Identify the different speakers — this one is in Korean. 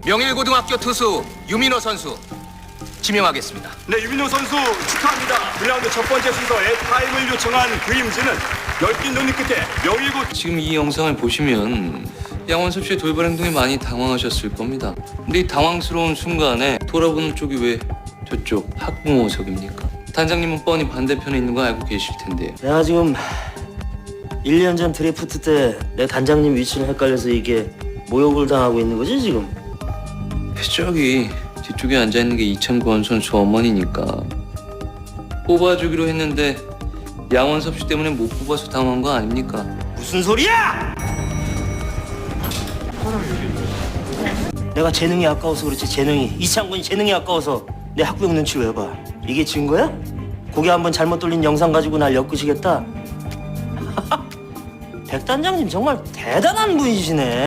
Speaker 1: 명일고등학교 투수 유민호 선수 지명하겠습니다.
Speaker 2: 네, 유민호 선수 축하합니다. 1라운드 첫 번째 순서에 타임을 요청한 그림즈는 열띤 논의 끝에 명일고
Speaker 3: 지금 이 영상을 보시면 양원섭 씨의 돌발 행동에 많이 당황하셨을 겁니다. 근데 이 당황스러운 순간에 돌아보는 쪽이 왜 저쪽 학부모석입니까? 단장님은 뻔히 반대편에 있는 거 알고 계실 텐데요.
Speaker 4: 내가 지금 1년 전 드래프트 때 내 단장님 위치를 헷갈려서 이게 모욕을 당하고 있는 거지 지금?
Speaker 3: 저기 뒤쪽에 앉아있는 게 이창권 선수 어머니니까 뽑아주기로 했는데 양원섭 씨 때문에 못 뽑아서 당한 거 아닙니까?
Speaker 4: 무슨 소리야! 내가 재능이 아까워서 그렇지. 재능이 이창권이 재능이 아까워서 내 학부형 눈치를 왜 봐? 이게 진 거야? 고개 한번 잘못 돌린 영상 가지고 날 엮으시겠다? 백 단장님 정말 대단한 분이시네.